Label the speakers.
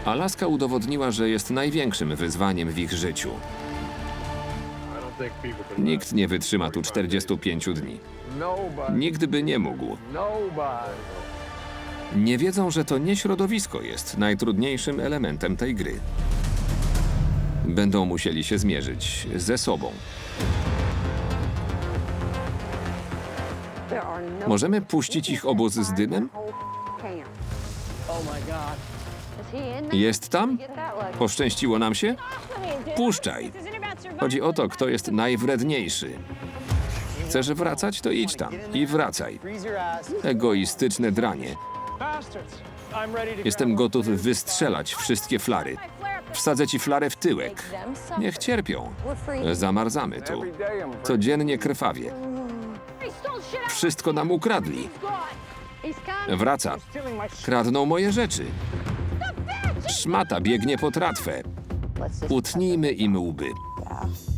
Speaker 1: Alaska udowodniła, że jest największym wyzwaniem w ich życiu. Nikt nie wytrzyma tu 45 dni. Nikt by nie mógł. Nie wiedzą, że to nie środowisko jest najtrudniejszym elementem tej gry. Będą musieli się zmierzyć ze sobą. Możemy puścić ich obóz z dymem? Jest tam? Poszczęściło nam się? Puszczaj. Chodzi o to, kto jest najwredniejszy. Chcesz wracać, to idź tam i wracaj. Egoistyczne dranie. Jestem gotów wystrzelać wszystkie flary. Wsadzę ci flarę w tyłek. Niech cierpią. Zamarzamy tu. Codziennie krwawie. Wszystko nam ukradli. Wraca. Kradną moje rzeczy. Szmata biegnie po tratwę. Utnijmy im łby.